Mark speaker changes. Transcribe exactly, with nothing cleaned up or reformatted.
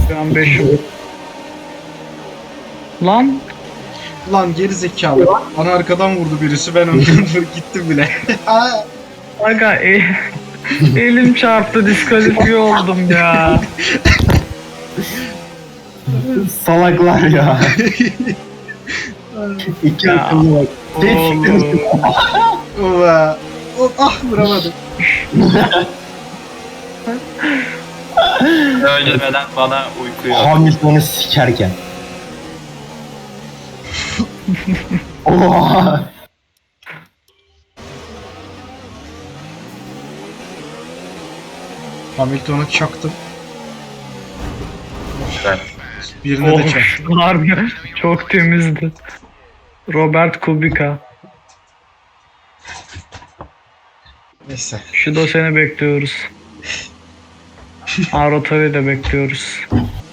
Speaker 1: Şu an beş. Lan
Speaker 2: Lan geri zekalı. Bana arkadan vurdu birisi, ben ondan gittim bile.
Speaker 1: aga e, elim çarptı, diskalifiye oldum ya.
Speaker 3: Salaklar ya. İki
Speaker 1: Ya.
Speaker 3: akıllı bak.
Speaker 1: Oğlum.
Speaker 2: Ova. O, ah vuramadım.
Speaker 4: Öldürmeden bana uyku yok.
Speaker 3: Hamilton'u sikerken. Oha.
Speaker 2: Hamilton'u çaktım.
Speaker 4: Ben.
Speaker 2: Birine de çaktım.
Speaker 1: Oh, harbi çok temizdi. Robert Kubica.
Speaker 2: Neyse.
Speaker 1: Şu da seni bekliyoruz. Arota'yı da bekliyoruz.